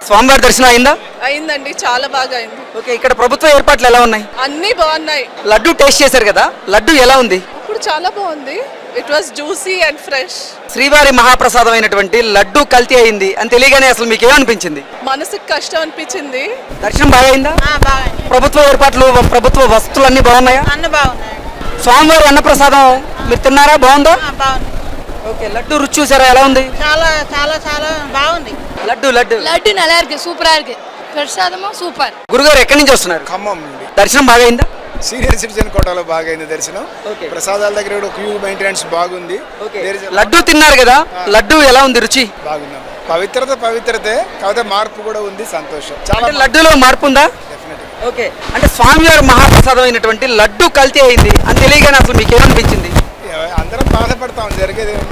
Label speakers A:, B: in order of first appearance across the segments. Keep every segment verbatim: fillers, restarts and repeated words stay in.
A: స్వామివారి దర్శనం అయిందా?
B: అయిందండి, చాలా బాగా అయింది.
A: ఓకే, ఇక్కడ ప్రభుత్వ ఏర్పాట్లు ఎలా ఉన్నాయి?
B: అన్నీ బాగున్నాయి.
A: లడ్డు టేస్ట్ చేశారు కదా, లడ్డు ఎలా ఉంది?
B: ఇప్పుడు చాలా బాగుంది. It was juicy and fresh.
A: శ్రీవారి మహాప్రసాదం అయినటువంటి లడ్డు కల్తీ అయింది అని తెలియగానే అసలు మీకు ఏమనిపించింది?
B: మనసుకి కష్టం అనిపించింది.
A: దర్శనం బాగా అయిందా? ప్రభుత్వ ఏర్పాట్లు, ప్రభుత్వ వస్తువులు అన్ని బాగున్నాయా?
C: అన్ని బాగున్నాయి.
A: స్వామివారి అన్నప్రసాదం మీరు తిన్నారా? బాగుందా?
C: బాగుంది.
A: ఓకే, లడ్డు రుచి చూసారా ఎలా ఉంది?
C: చాలా చాలా చాలా బాగుంది.
A: లడ్డు లడ్డు
D: லட்டு நல்லா இருக்கு, சூப்பரா இருக்கு. பிரசாதமும் சூப்பர்.
A: గురుగారు ఎక్కడి నుంచి వస్తున్నారు?
E: ఖమ్మం నుండి.
A: దర్శనం బాగా అయిందా?
E: సీనియర్ సిటిజన్ కోటాలో బాగా అయింది దర్శనం.
A: ఓకే.
E: ప్రసాదాల దగ్గర కూడా క్యూ మెయింటెనెన్స్ బాగుంది. There is a-
A: లడ్డు తిన్నారు కదా, లడ్డు ఎలా ఉంది రుచి?
E: బాగుంది. పవిత్రత పవిత్రతే కాకపోతే మార్పు కూడా ఉంది. సంతోషం. చాలా
A: అంటే లడ్డూలో మార్పు ఉందా?
E: డెఫినెట్.
A: ఓకే, అంటే స్వామివారి మహాప్రసాదం అయినటువంటి లడ్డు కల్తీ అయింది అని తెలియగానే అసలు మీకు ఏమనిపించింది?
E: అందరం బాధపడతాం. జరిగేది ఏముంది?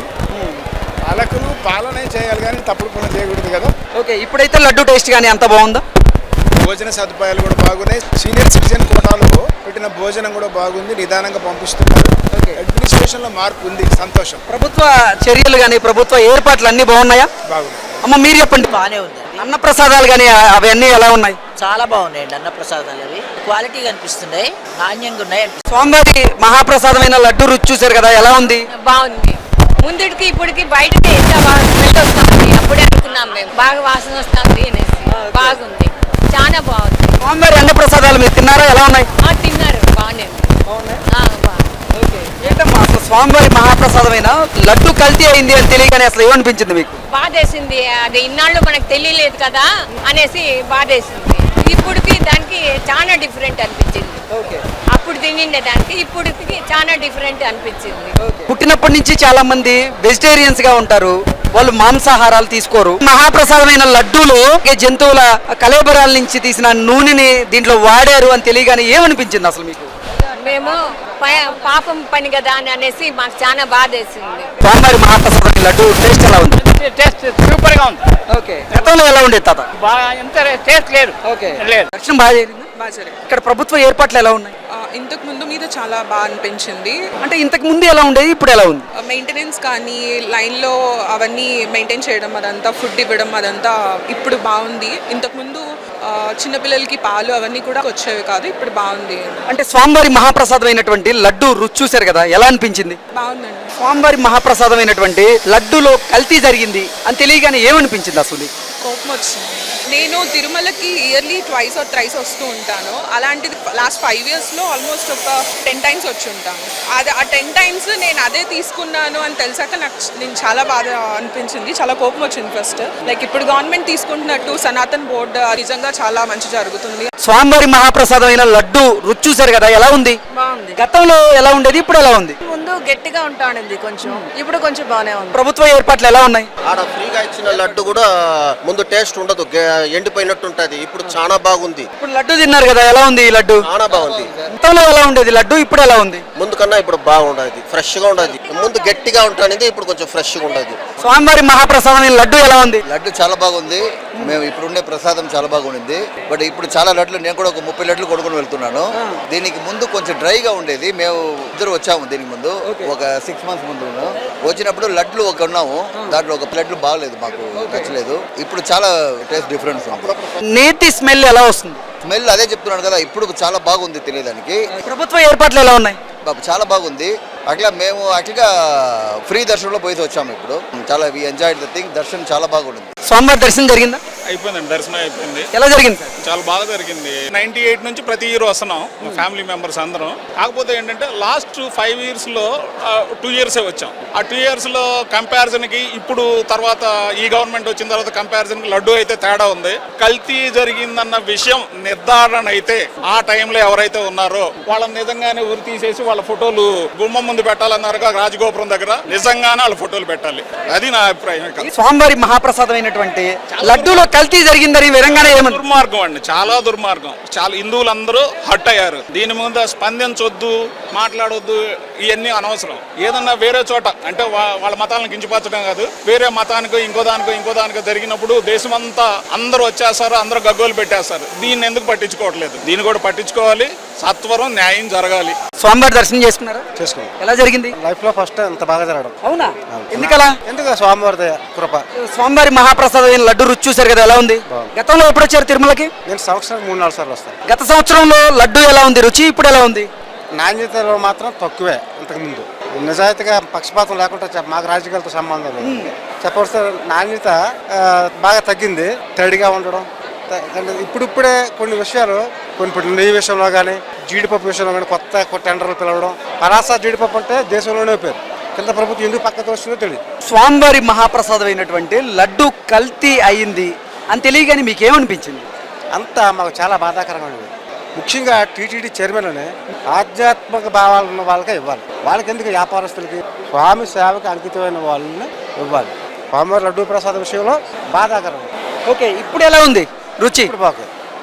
E: పాలకులు పాలనే చేయాలి కానీ తప్పుడు పనులు చేయకూడదు కదా.
A: ఓకే, ఇప్పుడైతే లడ్డు టేస్ట్ కానీ అంత బాగుందా?
E: భోజన సదుపాయాలు కూడా బాగున్నాయి. సీనియర్ సిటిజన్ కోటాలో పెట్టిన భోజనం కూడా బాగుంది. నిదానంగా పంపిస్తున్నారు. అడ్మినిస్ట్రేషన్ లో మార్పు ఉంది. సంతోషం.
A: ప్రభుత్వ చర్యలు కానీ ప్రభుత్వ ఏర్పాట్లు అన్ని బాగున్నాయా?
E: బాగుంది.
A: అమ్మ మీరు చెప్పండి.
F: బాగానే ఉంది.
A: అన్న ప్రసాదాలు కానీ అవన్నీ ఎలా ఉన్నాయి?
F: చాలా బాగున్నాయండి అన్న ప్రసాదాలు. అవి క్వాలిటీగా అనిపిస్తున్నాయి, నాణ్యంగా ఉన్నాయి అనిపిస్తుంది.
A: స్వామివారి మహాప్రసాదమైన లడ్డు రుచి చూసారు కదా, ఎలా ఉంది?
D: బాగుంది. ముందుకి ఇప్పటికి బయటకి ఎంత బాగా స్మెల్ వస్తుంది. అప్పుడే అనుకున్నాం మేము, బాగా వాసన వస్తుంది అనేసి. బాగుంది, చాలా బాగుంది.
A: స్వామివారి అన్న ప్రసాదాలు మీరు తిన్నారా? ఎలా ఉన్నాయి?
D: ఆ, తిన్నారు, బాగానే ఉంది. ఆ, బాగుంది.
A: ఏంటమ్మా అసలు స్వామివారి మహాప్రసాదమైన లడ్డు కల్తీ అయింది అని తెలియగానే అసలు ఏమనిపించింది మీకు?
D: బాధేసింది. అది ఇన్నాళ్ళు మనకు తెలియలేదు కదా అనేసి బాధేసింది. ఇప్పుడుకి దానికి చాలా డిఫరెంట్ అనిపించింది. అప్పుడు తినిండే దానికి ఇప్పుడుకి చాలా డిఫరెంట్ అనిపించింది.
A: పుట్టినప్పటి నుంచి చాలా మంది వెజిటేరియన్స్ గా ఉంటారు, వాళ్ళు మాంసాహారాలు తీసుకోరు. మహాప్రసాదమైన లడ్డూలో జంతువుల కలేబరాల నుంచి తీసిన నూనెని దీంట్లో వాడారు అని తెలియగానే ఏమనిపించింది అసలు మీకు?
D: మేము ప- పాపం పని కదా అని అనేసి మాకు చాలా బాధేసింది.
A: స్వామివారి మహాప్రసాదం లడ్డు టేస్ట్ ఎలా ఉంది?
G: టేస్ట్ సూపర్ గా ఉంది.
A: ఓకే, గతంలో ఎలా ఉండేది తాత?
G: బాగా ఎంత టేస్ట్ లేదు.
A: ఓకే,
G: లేదు.
A: దర్శనం బాగా జరిగిందా?
B: బాగా జరిగింది.
A: ఇక్కడ ప్రభుత్వ ఏర్పాట్లు ఎలా ఉన్నాయి?
B: ఇంతకు ముందు మీద చాలా బాగా అనిపించింది.
A: అంటే ఇంతకు ముందు ఎలా ఉండేది, ఇప్పుడు ఎలా ఉంది?
B: మెయింటెనెన్స్ కానీ లైన్లో అవన్నీ మెయింటైన్ చేయడం, అదంతా ఫుడ్ ఇవ్వడం, అదంతా ఇప్పుడు బాగుంది. ఇంతకుముందు చిన్నపిల్లలకి పాలు అవన్నీ కూడా వచ్చేవి కాదు, ఇప్పుడు బాగుంది.
A: అంటే స్వామివారి మహాప్రసాదం అయినటువంటి లడ్డు రుచి చూశారు కదా, ఎలా అనిపించింది?
B: బాగుందండి.
A: స్వామివారి మహాప్రసాదం అయినటువంటి లడ్డులో కల్తీ జరిగింది అని తెలియగానే ఏమనిపించింది అసలు?
B: కోపం వచ్చింది. నేను తిరుమలకి ఇయర్లీ ట్వైస్ ఆర్ థ్రైస్ వస్తూ ఉంటాను. అలాంటిది లాస్ట్ ఫైవ్ ఇయర్స్లో ఆల్మోస్ట్ ఒక టెన్ టైమ్స్ వచ్చి ఉంటాను. అది ఆ టెన్ టైమ్స్ నేను అదే తీసుకున్నాను అని తెలిసాక నాకు నేను చాలా బాధ అనిపించింది, చాలా కోపం వచ్చింది. ఫస్ట్ లైక్ ఇప్పుడు గవర్నమెంట్ తీసుకుంటున్నట్టు సనాతన్ బోర్డు నిజంగా చాలా మంచి జరుగుతుంది.
A: స్వామివారి మహాప్రసాదం అయిన లడ్డు రుచి చూశారు కదా, ఎలా ఉంది?
C: బాగుంది.
A: గతంలో ఎలా ఉండేది, ఇప్పుడు ఎలా ఉంది?
C: ముందు గట్టిగా ఉంటానండి కొంచెం, ఇప్పుడు కొంచెం బాగానే ఉంది.
A: ప్రభుత్వ ఏర్పాట్లు ఎలా ఉన్నాయి?
H: ఆడ ఫ్రీగా ఇచ్చిన లడ్డు కూడా ముందు టేస్ట్ ఉండదు, ఎండిపోయినట్టు ఉంటది. ఇప్పుడు చాలా బాగుంది.
A: ఇప్పుడు లడ్డు తిన్నారు కదా, ఎలా ఉంది ఈ లడ్డు?
H: చాలా బాగుంది.
A: గతంలో ఎలా ఉండేది లడ్డు, ఇప్పుడు ఎలా ఉంది?
H: ముందు కన్నా ఇప్పుడు బాగుండదు, ఫ్రెష్ గా ఉండదు. ముందు గట్టిగా ఉంటుంది, ఇప్పుడు కొంచెం ఫ్రెష్ గా ఉండదు.
A: స్వామివారి మహాప్రసాదం అయిన లడ్డు ఎలా ఉంది?
I: లడ్డు చాలా బాగుంది. మేము ఇప్పుడు ఉండే ప్రసాదం చాలా బాగుంది. బట్ ఇప్పుడు చాలా లడ్లు, నేను కూడా ఒక ముప్పై లడ్లు కొనుక్కొని వెళ్తున్నాను. దీనికి ముందు కొంచెం డ్రైగా ఉండేది. మేము ఇద్దరు వచ్చాము దీనికి ముందు, ఒక సిక్స్ మంత్స్ ముందు వచ్చినప్పుడు లడ్లు ఒక ఉన్నాము, దాంట్లో ఒక లడ్లు బాగలేదు, మాకు నచ్చలేదు. ఇప్పుడు చాలా టేస్ట్ డిఫరెన్స్ ఉంది.
A: నేతి స్మెల్ ఎలా వస్తుంది?
I: స్మెల్ అదే చెప్తున్నాను కదా, ఇప్పుడు చాలా బాగుంది తినేదానికి.
A: ప్రభుత్వ ఏర్పాట్లు ఎలా ఉన్నాయి?
I: బాబు చాలా బాగుంది. అట్లా మేము యాక్చువల్గా ఫ్రీ దర్శనంలో పోయి వచ్చాము. ఇప్పుడు చాలా వి ఎంజాయ్డ్ ద థింగ్. దర్శనం చాలా బాగుంది.
A: స్వామివారి దర్శనం జరిగిందా?
J: అయిపోయిందండి, దర్శనం అయిపోయింది.
A: ఎలా జరిగింది సార్?
J: చాలా బాగా జరిగింది. నైన్టీ ఎయిట్ నుంచి ప్రతి ఇయర్ వస్తున్నాం మా ఫ్యామిలీ మెంబర్స్ అందరం. కాకపోతే ఏంటంటే లాస్ట్ ఫైవ్ ఇయర్స్ లో టూ ఇయర్సే వచ్చాం. ఆ టూ ఇయర్స్ లో కంపారిజన్ కి ఇప్పుడు తర్వాత ఈ గవర్నమెంట్ వచ్చిన తర్వాత కంపారిజన్ కి లడ్డు అయితే తేడా ఉంది. కల్తీ జరిగిందన్న విషయం నిర్ధారణ అయితే ఆ టైంలో ఎవరైతే ఉన్నారో వాళ్ళని నిజంగానే ఉరి తీసేసి వాళ్ళ ఫోటోలు గుమ్మం ముందు పెట్టాలన్నారు రాజగోపురం దగ్గర. నిజంగానే వాళ్ళ ఫోటోలు పెట్టాలి, అది నా అభిప్రాయం.
A: స్వామివారి మహాప్రసాదం అయినటువంటి లడ్డూలో కల్తీ జరిగిందని విధంగానే
J: దుర్మార్గం అండి, చాలా దుర్మార్గం. చాలా హిందువులందరూ హట్ అయ్యారు. దీని మీద స్పందించొద్దు, మాట్లాడొద్దు, ఇవన్నీ అనవసరం. ఏదన్నా వేరే చోట అంటే వాళ్ళ మతాలను కించపరచడం కాదు, వేరే మతానికో ఇంకో దానికో ఇంకో దానికో జరిగినప్పుడు దేశమంతా అందరూ వచ్చేస్తారు, అందరూ గగ్గోలు పెట్టేస్తారు. దీన్ని ఎందుకు పట్టించుకోవట్లేదు? దీన్ని కూడా పట్టించుకోవాలి. సత్వరం న్యాయం జరగాలి.
A: స్వామివారి దర్శనం చేసుకున్నారా?
E: చేసుకున్నాం.
A: ఎలా జరిగింది?
E: లైఫ్ లో ఫస్ట్ ఇంత బాగా జరగడం.
A: అవునా? ఎందుకలా?
E: ఎందుకు స్వామివారి దయ, కృప.
A: స్వామివారి మహాప్రసాదమైన లడ్డు రుచి చూశారు కదా, ఎలా ఉంది? గతంలో ఎప్పుడు వచ్చారు తిరుమలకి?
E: నేను సంవత్సరానికి మూడు నాలుగు సార్లు వస్తాను.
A: గత సంవత్సరంలో లడ్డు ఎలా ఉంది రుచి, ఇప్పుడు ఎలా ఉంది?
E: నాణ్యతలో మాత్రం తక్కువే ఇంతకు ముందు. నిజాయితీగా పక్షపాతం లేకుండా చెప్ప- మాకు రాజకీయాలతో సంబంధం లేదు. చెప్పవలసిన నాణ్యత ఆ, బాగా తగ్గింది. తడిగా ఉండడం త- అంటే ఇప్పుడిప్పుడే కొన్ని విషయాలు కొన్ని ఇప్పుడు నెయ్యి విషయంలో కానీ జీడిపప్పు విషయంలో కానీ కొత్త కొత్త టెండర్లు పిలవడం. పరాస జీడిపప్పు అంటే దేశంలోనే పేరు. కింద ప్రభుత్వం ఎందుకు పక్కకు వస్తుందో తెలియదు.
A: స్వామివారి మహాప్రసాదమైనటువంటి లడ్డు కల్తీ అయింది అని తెలియగానే మీకు ఏమనిపించింది?
E: అంతా మాకు చాలా బాధాకరంగా ఉంది. ముఖ్యంగా టీటీడీ చైర్మన్ అనే ఆధ్యాత్మిక భావాలు ఉన్న వాళ్ళకే ఇవ్వాలి. వాళ్ళకి ఎందుకు వ్యాపారస్తులకి స్వామి సేవకి అంకితమైన వాళ్ళని ఇవ్వాలి. స్వామివారి లడ్డూ ప్రసాదం విషయంలో బాధాకరం.
A: ఓకే, ఇప్పుడు ఎలా ఉంది రుచి?
E: ఇప్పుడు బాగా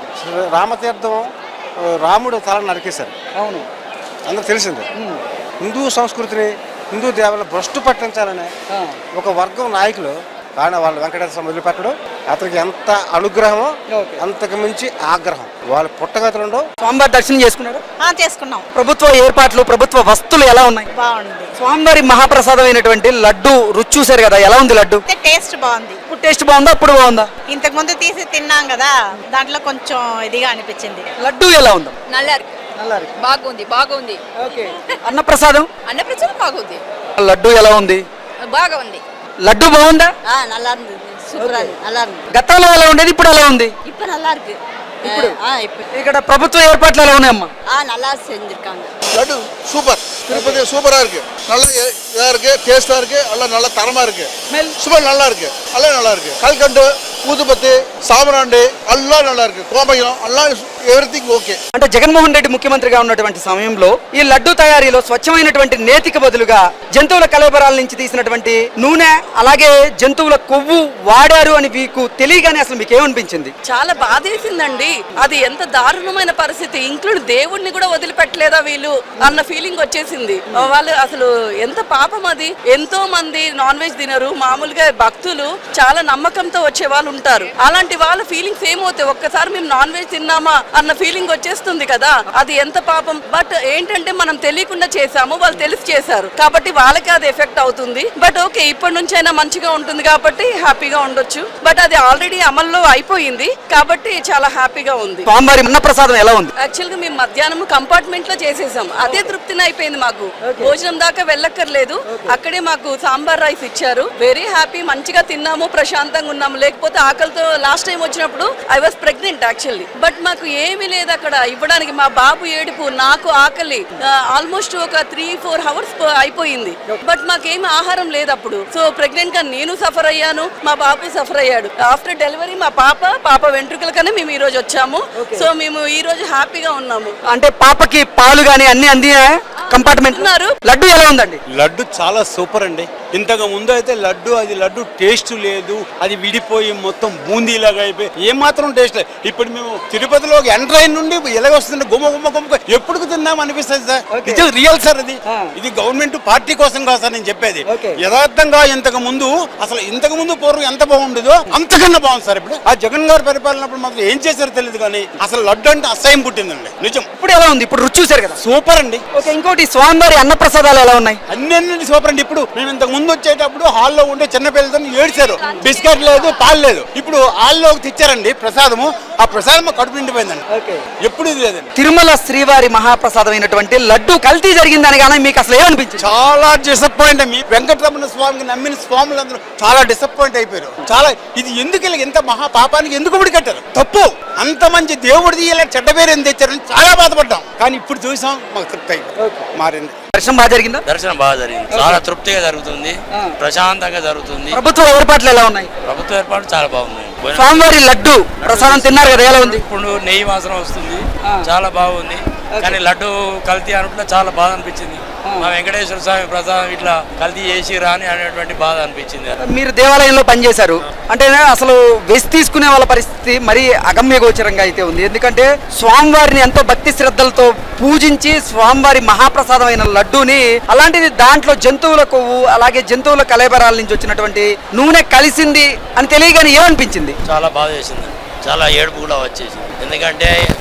E: రామతీర్థం రాముడు తల నరికేశారు.
A: అవును,
E: అందరికి తెలిసిందే. హిందూ సంస్కృతిని హిందూ దేవాలను భ్రష్టు పట్టించాలనే ఒక వర్గం నాయకులు కానీ వాళ్ళు వెంకటేశ్వర వదిలిపెట్టడం అతనికి ఎంత అనుగ్రహమో అంతకు మించి ఆగ్రహం. వాళ్ళు పుట్టగతులు.
A: స్వామివారి దర్శనం చేసుకున్నారు?
C: చేసుకున్నాం.
A: ప్రభుత్వ ఏర్పాట్లు, ప్రభుత్వ వస్తువులు ఎలా ఉన్నాయి?
C: బాగుంది.
A: స్వామివారి మహాప్రసాదమైనటువంటి లడ్డు రుచి చూశారు కదా, ఎలా ఉంది లడ్డు?
C: టేస్ట్ బాగుంది.
A: ఇప్పుడు టేస్ట్ బాగుందా, అప్పుడు బాగుందా?
C: ఇంతకు ముందు తీసి తిన్నాం కదా, దాంట్లో కొంచెం ఇదిగా అనిపించింది.
A: లడ్డు ఎలా ఉందా?
D: నల్ల
A: నల్లారి.
D: బాగుంది బాగుంది
A: ఓకే. అన్నప్రసాదం
D: అన్నప్రసాదం బాగుంది
A: లడ్డు ఎలా ఉంది?
D: బాగా ఉంది.
A: లడ్డు బాగుందా?
C: నల్లా సూపర్ నల్లా
A: గతంలో ఎలా ఉండేది, ఇప్పుడు ఎలా ఉంది?
C: ఇప్పుడు நல்லா இருக்கு.
A: ఇప్పుడు
C: ఇప్పుడు
A: ఇక్కడ ప్రభుత్వ ఏర్పాట్లు ఎలా ఉన్నాయమ్మా?
C: நல்லா செஞ்சிருக்காங்க.
H: லட்டு சூப்பர். திருப்பதி சூப்பரா இருக்கு. நல்லா இதா இருக்கு, டேஸ்டா இருக்கு, எல்லாம் நல்ல தரமா இருக்கு. சுவர் நல்லா இருக்கு, எல்லாம் நல்லா இருக்கு. கல்கண்டு, ஊதுபத்தி, சாம்பிராண்டி எல்லாம் நல்லா இருக்கு. கோமயம் எல்லாம் ఎవ్రీథింగ్ ఓకే.
A: అంటే జగన్మోహన్ రెడ్డి ముఖ్యమంత్రిగా ఉన్నటువంటి సమయంలో ఈ లడ్డు తయారీలో స్వచ్ఛమైనటువంటి నేతికి బదులుగా జంతువుల కళేబరాల నుంచి తీసినటువంటి నూనె అలాగే జంతువుల కొవ్వు వాడారు అని మీకు తెలియగానే అసలు మీకు ఏమనిపించింది?
C: చాలా బాధేసిందండి. అది ఎంత దారుణమైన పరిస్థితి. ఇంక్లూడ్ దేవుణ్ణి కూడా వదిలిపెట్టలేదా వీళ్ళు అన్న ఫీలింగ్ వచ్చేసింది. వాళ్ళు అసలు ఎంత పాపం అది. ఎంతో మంది నాన్ వెజ్ తినరు. మామూలుగా భక్తులు చాలా నమ్మకంతో వచ్చే వాళ్ళు ఉంటారు. అలాంటి వాళ్ళ ఫీలింగ్స్ ఏమవుతాయి? ఒక్కసారి మేము నాన్ వెజ్ తిన్నామా అన్న ఫీలింగ్ వచ్చేస్తుంది కదా, అది ఎంత పాపం. బట్ ఏంటంటే మనం తెలియకుండా చేసాము, వాళ్ళు తెలిసి చేశారు కాబట్టి వాళ్ళకి అది ఎఫెక్ట్ అవుతుంది. బట్ ఓకే, ఇప్పటి నుంచి అయినా మంచిగా ఉంటుంది కాబట్టి హ్యాపీగా ఉండొచ్చు. బట్ అది ఆల్రెడీ అమల్లో అయిపోయింది కాబట్టి చాలా హ్యాపీగా ఉంది.
A: స్వామివారి అన్నప్రసాదం ఎలా ఉంది?
C: యాక్చువల్ గా మేము మధ్యాహ్నం కంపార్ట్మెంట్ లో చేసేసాం. అదే తృప్తిని అయిపోయింది మాకు. భోజనం దాకా వెళ్ళక్కర్లేదు. అక్కడే మాకు సాంబార్ రైస్ ఇచ్చారు. Very happy. మంచిగా తిన్నాము, ప్రశాంతంగా ఉన్నాము. లేకపోతే ఆకలితో లాస్ట్ టైం వచ్చినప్పుడు I was pregnant actually. But మాకు ఏమీ లేదు అక్కడ ఇవ్వడానికి. మా బాబు ఏడుపు, నాకు ఆకలి. ఆల్మోస్ట్ ఒక త్రీ ఫోర్ అవర్స్ అయిపోయింది. బట్ మాకేమి ఆహారం లేదు అప్పుడు. సో ప్రెగ్నెంట్ గా నేను సఫర్ అయ్యాను, మా బాబు సఫర్ అయ్యాడు. ఆఫ్టర్ డెలివరీ మా పాప పాప వెంట్రుకలకనే మేము ఈ రోజు వచ్చాము. సో మేము ఈ రోజు హ్యాపీగా ఉన్నాము.
A: అంటే పాపకి పాలు గానీ అన్ని అంది కంపార్ట్మెంట్. లడ్డు ఎలా ఉందండి?
K: లడ్డు చాలా సూపర్ అండి. ఇంతకు ముందు అయితే లడ్డు అది లడ్డు టేస్ట్ లేదు, అది విడిపోయి మొత్తం బూందీలాగా అయిపోయి ఏమాత్రం టేస్ట్ లేదు. ఇప్పుడు మేము తిరుపతిలో ఎంటర్ అయిన నుండి ఎలాగొస్తుంది గుమ్మ గుమ్మ గుమ్మ ఎప్పుడు తిన్నాం అనిపిస్తుంది సార్. ఇది రియల్ సార్. ఇది ఇది గవర్నమెంట్ పార్టీ కోసం కాదు సార్ నేను చెప్పేది. యథార్థంగా ఇంతకు ముందు అసలు ఇంతకు ముందు పూర్వం ఎంత బాగుండేదో అంతకన్నా బాగుంది సార్. ఇప్పుడు ఆ జగన్ గారు పరిపాలనప్పుడు మాత్రం ఏం చేశారో తెలియదు కానీ అసలు లడ్డు అంటే అసహ్యం పుట్టిందండి నిజం.
A: ఇప్పుడు ఎలా ఉంది? ఇప్పుడు రుచి చూసారు కదా,
K: సూపర్ అండి.
A: ఓకే. ఇంకోటి స్వామివారి అన్నప్రసాదాలు ఎలా ఉన్నాయి?
K: అన్ని అన్ని సూపర్ అండి. ఇప్పుడు మేము ఇంతకు ముందు వచ్చేటప్పుడు హాల్లో ఉండే చిన్న పిల్లలతో ఏడ్చారు. బిస్కెట్ లేదు, పాలు లేదు. ఇప్పుడు హాల్లో తెచ్చారండి ప్రసాదము. ఆ ప్రసాదం కడుపు నిండిపోయిందండి. ఎప్పుడు ఇది లేదండి.
A: తిరుమల శ్రీవారి మహాప్రసాదమైనటువంటి లడ్డు కల్తీ జరిగిందని కానీ మీకు అసలు ఏమనిపించింది?
K: చాలా డిసప్పాయింట్. మీ వెంకటరమణ స్వామికి నమ్మిన స్వాములందరూ చాలా డిసప్పాయింట్ అయిపోయారు. చాలా ఇది ఎందుకు ఇలా ఇంత మహా పాపానికి ఎందుకు ముడి కట్టారు? తప్పు. అంత మంచి దేవుడిది ఇలా చెడ్డ పేరు ఎందుకు తెచ్చారని చాలా బాధపడ్డాం. కానీ ఇప్పుడు చూసాం, మాకు తృప్తి మారింది.
A: దర్శనం బాగా జరిగిందా?
L: దర్శనం బాగా జరిగింది. చాలా తృప్తిగా జరుగుతుంది, ప్రశాంతంగా జరుగుతుంది.
A: ప్రభుత్వ ఏర్పాట్లు ఎలా ఉన్నాయి?
L: ప్రభుత్వ ఏర్పాట్లు చాలా బాగున్నాయి.
A: స్వామివారి లడ్డు ప్రసాదం తిన్నారు కదా, ఎలా ఉంది?
L: ఇప్పుడు నెయ్యి వాసన వస్తుంది, చాలా బాగుంది. కానీ లడ్డు కల్తీ అనుకుంటే చాలా బాధ అనిపించింది. మా వెంకటేశ్వర స్వామి ప్రసాదం ఇట్లా కల్తీ చేసి రాని అనేటువంటి బాధ అనిపించింది.
A: మీరు దేవాలయంలో పనిచేశారు అంటే అసలు వెసి తీసుకునే వాళ్ళ పరిస్థితి మరీ అగమ్య గోచరంగా అయితే ఉంది. ఎందుకంటే స్వామివారిని ఎంతో భక్తి శ్రద్ధలతో పూజించి స్వామివారి మహాప్రసాదమైన లడ్డూని అలాంటిది దాంట్లో జంతువుల కొవ్వు అలాగే జంతువుల కళేబరాల నుంచి వచ్చినటువంటి నూనె కలిసింది అని తెలియగానే ఏమనిపించింది?
L: చాలా బాధ చేసింది, చాలా ఏడుపు కూడా వచ్చేసింది. ఎందుకంటే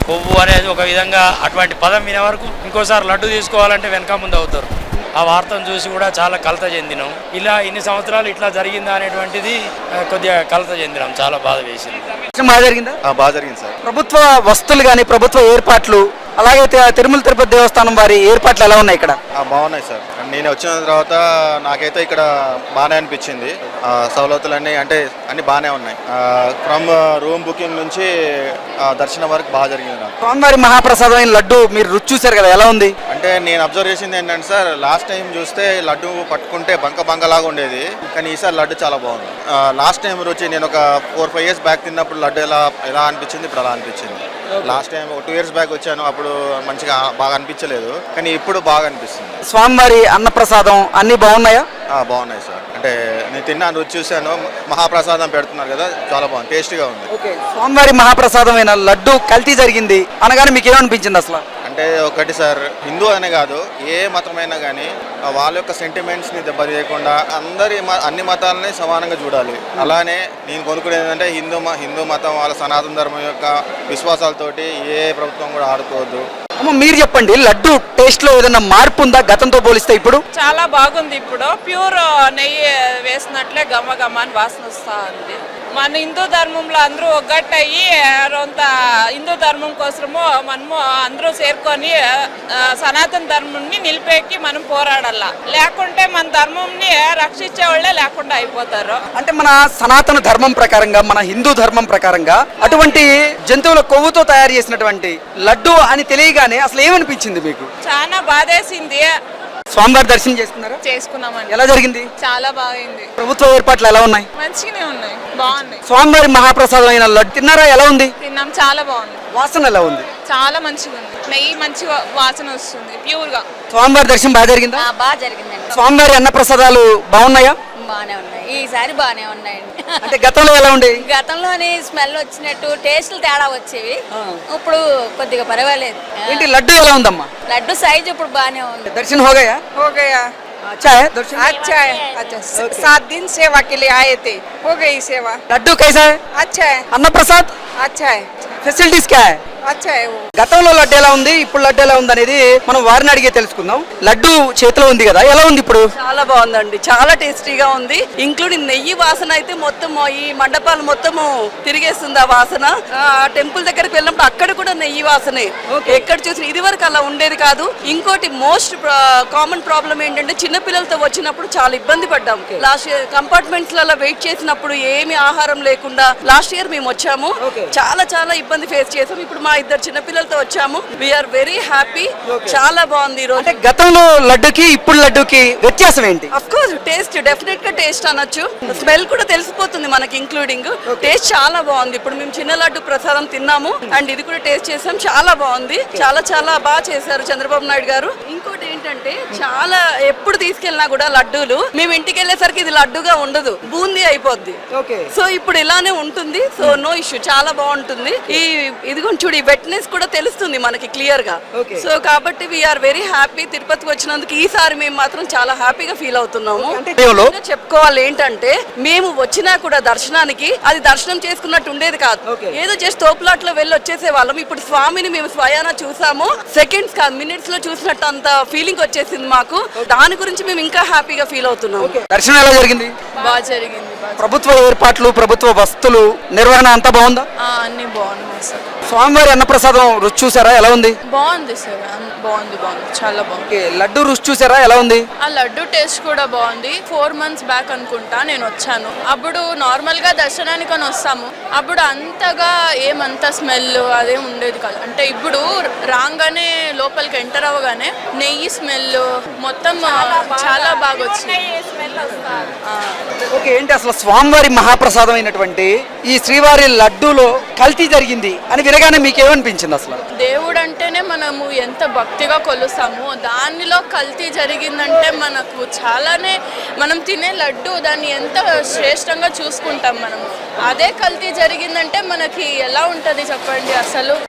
L: కొవ్వు అనేది ఒక విధంగా అటువంటి పదం వినే వరకు ఇంకోసారి లడ్డు తీసుకోవాలంటే వెనక ముందు అవుతారు. ఆ వార్తను చూసి కూడా చాలా కలత చెందినాం. ఇలా ఇన్ని సంవత్సరాలు ఇట్లా జరిగిందా అనేటువంటిది ఆ, కొద్దిగా కలత చెందినాం. చాలా బాధ వేసింది.
A: బాగా జరిగిందా?
I: బాగా జరిగింది సార్.
A: ప్రభుత్వ వస్తువులు కానీ ప్రభుత్వ ఏర్పాట్లు అలాగే తి- తిరుమల తిరుపతి దేవస్థానం వారి ఏర్పాట్లు ఎలా ఉన్నాయి ఇక్కడ?
I: బాగున్నాయి సార్. నేను వచ్చిన తర్వాత నాకైతే ఇక్కడ బాగానే అనిపించింది. ఆ, సౌలతులన్నీ అంటే అన్ని బాగానే ఉన్నాయి. ఫ్రమ్ రూమ్ బుకింగ్ నుంచి ఆ, దర్శనం వరకు బాగా జరిగింది నాకు.
A: స్వామివారి మహాప్రసాదం అయిన లడ్డు మీరు రుచి చూశారు కదా, ఎలా ఉంది?
I: అంటే నేను అబ్జర్వ్ చేసింది ఏంటంటే సార్, లాస్ట్ టైం చూస్తే లడ్డు పట్టుకుంటే బంక బంకలాగా ఉండేది, కానీ ఈసారి లడ్డు చాలా బాగుంది. లాస్ట్ టైం రుచి నేను ఒక ఫోర్ ఫైవ్ ఇయర్స్ బ్యాక్ తిన్నప్పుడు లడ్డు ఎలా ఎలా అనిపించింది, ఇప్పుడు అలా అనిపించింది. లాస్ట్ టైం ఒక టూ ఇయర్స్ బ్యాక్ వచ్చాను, అప్పుడు మంచిగా బాగా అనిపించలేదు, కానీ ఇప్పుడు బాగా అనిపిస్తుంది.
A: స్వామివారి అన్నప్రసాదం అన్ని బాగున్నాయా?
I: ఆ, బాగున్నాయి సార్. అంటే నేను తిన్నాను, రుచి చూశాను. మహాప్రసాదం పెడుతున్నారు కదా, చాలా బాగుంది, టేస్టీగా ఉంది.
A: ఓకే, స్వామివారి మహాప్రసాదం అయిన లడ్డు కల్తీ జరిగింది అనగానే మీకు ఏమనిపించింది అసలు?
I: అంటే ఒకటి సార్, హిందూ అనే కాదు, ఏ మతమైనా కానీ వాళ్ళ యొక్క సెంటిమెంట్స్ని దెబ్బతీయకుండా అందరి మ- అన్ని మతాలని సమానంగా చూడాలి. అలానే నేను కొనుక్కునేది ఏంటంటే హిందూ మ- హిందూ మతం వాళ్ళ సనాతన ధర్మం యొక్క విశ్వాసాలతోటి ఏ ప్రభుత్వం కూడా ఆడుకోవద్దు.
A: అమ్మ మీరు చెప్పండి, లడ్డు టేస్ట్ లో ఏదైనా మార్పు ఉందా గతంతో పోలిస్తే ఇప్పుడు?
C: చాలా బాగుంది. ఇప్పుడు ప్యూర్ నెయ్యి వేసినట్లే గమ గమ అని వాసన వస్తా ఉంది. మన హిందూ ధర్మంలో అందరూ ఒగ్గట్టయి కొంత హిందూ ధర్మం కోసము మనము అందరూ చేరుకొని ఆ, సనాతన ధర్మంని నిలిపేకి మనం పోరాడాల. లేకుంటే మన ధర్మంని రక్షించే వాళ్ళే లేకుండా అయిపోతారు.
A: అంటే మన సనాతన ధర్మం ప్రకారంగా, మన హిందూ ధర్మం ప్రకారంగా అటువంటి జంతువుల కొవ్వుతో తయారు చేసినటువంటి లడ్డు అని తెలియగానే అసలు ఏమనిపించింది మీకు?
C: చాలా బాధేసింది.
A: స్వామివారి దర్శనం చేసుకున్నారా?
C: చేసుకున్నామండి.
A: ఎలా జరిగింది?
C: చాలా బాగుంది.
A: ప్రభుత్వ ఏర్పాట్లు ఎలా ఉన్నాయి?
C: మంచిగానే ఉన్నాయి, బాగున్నాయి.
A: స్వామివారి మహాప్రసాదం అయిన లడ్డు తిన్నారా? ఎలా ఉంది?
C: తిన్నాం, చాలా బాగుంది.
A: వాసన ఎలా ఉంది?
C: చాలా మంచిగా ఉంది. నెయ్యి మంచి వా- వాసన వస్తుంది ప్యూర్ గా.
A: స్వామివారి దర్శనం బాగా జరిగిందా?
D: బాగా జరిగిందండి.
A: స్వామివారి అన్న ప్రసాదాలు బాగున్నాయా?
D: బాగానే ఉన్నాయి. ఈసారి బాగానే ఉన్నాయండి.
A: అంటే గతంలో ఎలా ఉండేవి?
D: గతంలోని స్మెల్ వచ్చినట్టు టేస్ట్లు తేడా వచ్చేవి. ఇప్పుడు కొద్దిగా పర్వాలేదు.
A: ఏంటి లడ్డు ఎలా ఉందమ్మా?
D: లడ్డు సైజ్ ఇప్పుడు బాగానే ఉంది.
A: దర్శనం हो गया?
C: हो गया.
A: अच्छा है दर्शन?
C: अच्छा है. अच्छा, सात दिन सेवा के लिए आए थे, हो गई सेवा.
A: लड्डू कैसा है?
C: अच्छा है.
A: अन्न प्रसाद
C: अच्छा है.
A: ఫెసిలిటీస్ क्या है?
C: अच्छा है वो.
A: గతంలో లడ్డు ఎలా ఉంది, ఇప్పుడు లడ్డు ఎలా ఉంది అనేది మనం వారిని అడిగే తెలుసుకుందాం. లడ్డు చేతిలో ఉంది కదా, ఎలా ఉంది ఇప్పుడు?
C: చాలా బాగుందండి, చాలా టేస్టీగా ఉంది. ఇంక్లూడింగ్ నెయ్యి వాసన అయితే మొత్తం ఈ మండపాలు మొత్తము తిరిగేస్తుంది ఆ వాసన. ఆ టెంపుల్ దగ్గరికి వెళ్ళినప్పుడు అక్కడ కూడా నెయ్యి వాసనే. ఎక్కడ చూసిన ఇది వరకు అలా ఉండేది కాదు. ఇంకోటి మోస్ట్ కామన్ ప్రాబ్లం ఏంటంటే చిన్న పిల్లలతో వచ్చినప్పుడు చాలా ఇబ్బంది పడ్డాం. లాస్ట్ ఇయర్ కంపార్ట్మెంట్స్ లలో వెయిట్ చేసినప్పుడు ఏమి ఆహారం లేకుండా లాస్ట్ ఇయర్ మేము వచ్చాము. చాలా చాలా ఇబ్బంది ఫేస్ చేసాం. ఇప్పుడు మా ఇద్దరు చిన్న పిల్లలతో వచ్చాము. We are very happy. చాలా బాగుంది ఈ రోజు.
A: అంటే గతంలో లడ్డుకి ఇప్పుడు లడ్డుకి వ్యత్యాసం ఏంటి?
C: అఫ్ కోర్స్ టేస్ట్ డెఫినెట్ గా టేస్ట్ అనొచ్చు. స్మెల్ కూడా తెలిసిపోతుంది మనకి. ఇంక్లూడింగ్ టేస్ట్ చాలా బాగుంది. ఇప్పుడు మేము చిన్న లడ్డు ప్రసాదం తిన్నాము అండ్ ఇది కూడా టేస్ట్ చేసాం. చాలా బాగుంది. చాలా చాలా బాగా చేశారు చంద్రబాబు నాయుడు గారు. ఇంకోటి ఏంటంటే చాలా ఎప్పుడు తీసుకెళ్ళినా కూడా లడ్డూలు మేము ఇంటికి వెళ్ళేసరికి ఇది లడ్డుగా ఉండదు, బూందీ అయిపోద్ది. సో ఇప్పుడు ఇలానే ఉంటుంది. సో నో ఇష్యూ, చాలా బాగుంటుంది. ఈ ఇదిగో చూడు, ఈ వెట్నెస్ కూడా తెలుస్తుంది మనకి క్లియర్ గా. సో కాబట్టి వీఆర్ వెరీ హ్యాపీ. తిరుపతికి వచ్చినందుకు ఈసారి మేము మాత్రం చాలా హ్యాపీగా ఫీల్ అవుతున్నాము. ఇంకా చెప్పుకోవాలి ఏంటంటే మేము వచ్చినా కూడా దర్శనానికి అది దర్శనం చేసుకున్నట్టు ఉండేది కాదు. ఏదో జస్ట్ తోపులాట్లో వెళ్ళి వచ్చేసే వాళ్ళం. ఇప్పుడు స్వామిని మేము స్వయానా చూసాము. సెకండ్స్ కాదు, మినిట్స్ లో చూసినట్టు అంత ఫీలింగ్ వచ్చేసింది మాకు. దాని గురించి మేము ఇంకా హ్యాపీగా ఫీల్ అవుతున్నాము.
A: దర్శనం ఎలా జరిగింది?
C: బాగా జరిగింది.
A: ప్రభుత్వ ఏర్పాట్లు, ప్రభుత్వ వస్తువులు, నిర్వహణ అంతా బాగుందా?
C: అన్ని బాగున్నాయి సార్.
A: స్వామివారి అన్నప్రసాదం రుచి చూసారా, ఎలా ఉంది?
C: బాగుంది సార్, బాగుంది బాగుంది చాలా బాగుంది.
A: ఓకే, లడ్డు రుచి చూసారా, ఎలా ఉంది?
C: ఆ లడ్డు టేస్ట్ కూడా బాగుంది. ఫోర్ మంత్స్ బ్యాక్ అనుకుంటా నేను వచ్చాను. అప్పుడు నార్మల్ గా దర్శనానికి అని వస్తాము. అప్పుడు అంతగా ఏమంత స్మెల్ అదేం ఉండేది కాదు. అంటే ఇప్పుడు రాగానే లోపలికి ఎంటర్ అవ్వగానే నెయ్యి స్మెల్ మొత్తం చాలా బాగా వచ్చింది.
A: ఓకే, ఏంటి అసలు స్వామివారి మహాప్రసాదం అయినటువంటి ఈ శ్రీవారి లడ్డూలో కల్తీ జరిగింది అని వినగానే మీకు ఏమనిపించింది అసలు?
C: దేవుడు అంటేనే మనము ఎంత భక్తిగా కొలుస్తాము, దానిలో కల్తీ జరిగిందంటే మనకు చాలానే, మనం తినే లడ్డు దాన్ని ఎంత శ్రేష్టంగా చూసుకుంటాం మనం. అదే కల్తీ జరిగిందంటే మనకి ఎలా ఉంటుంది చెప్పండి అసలు.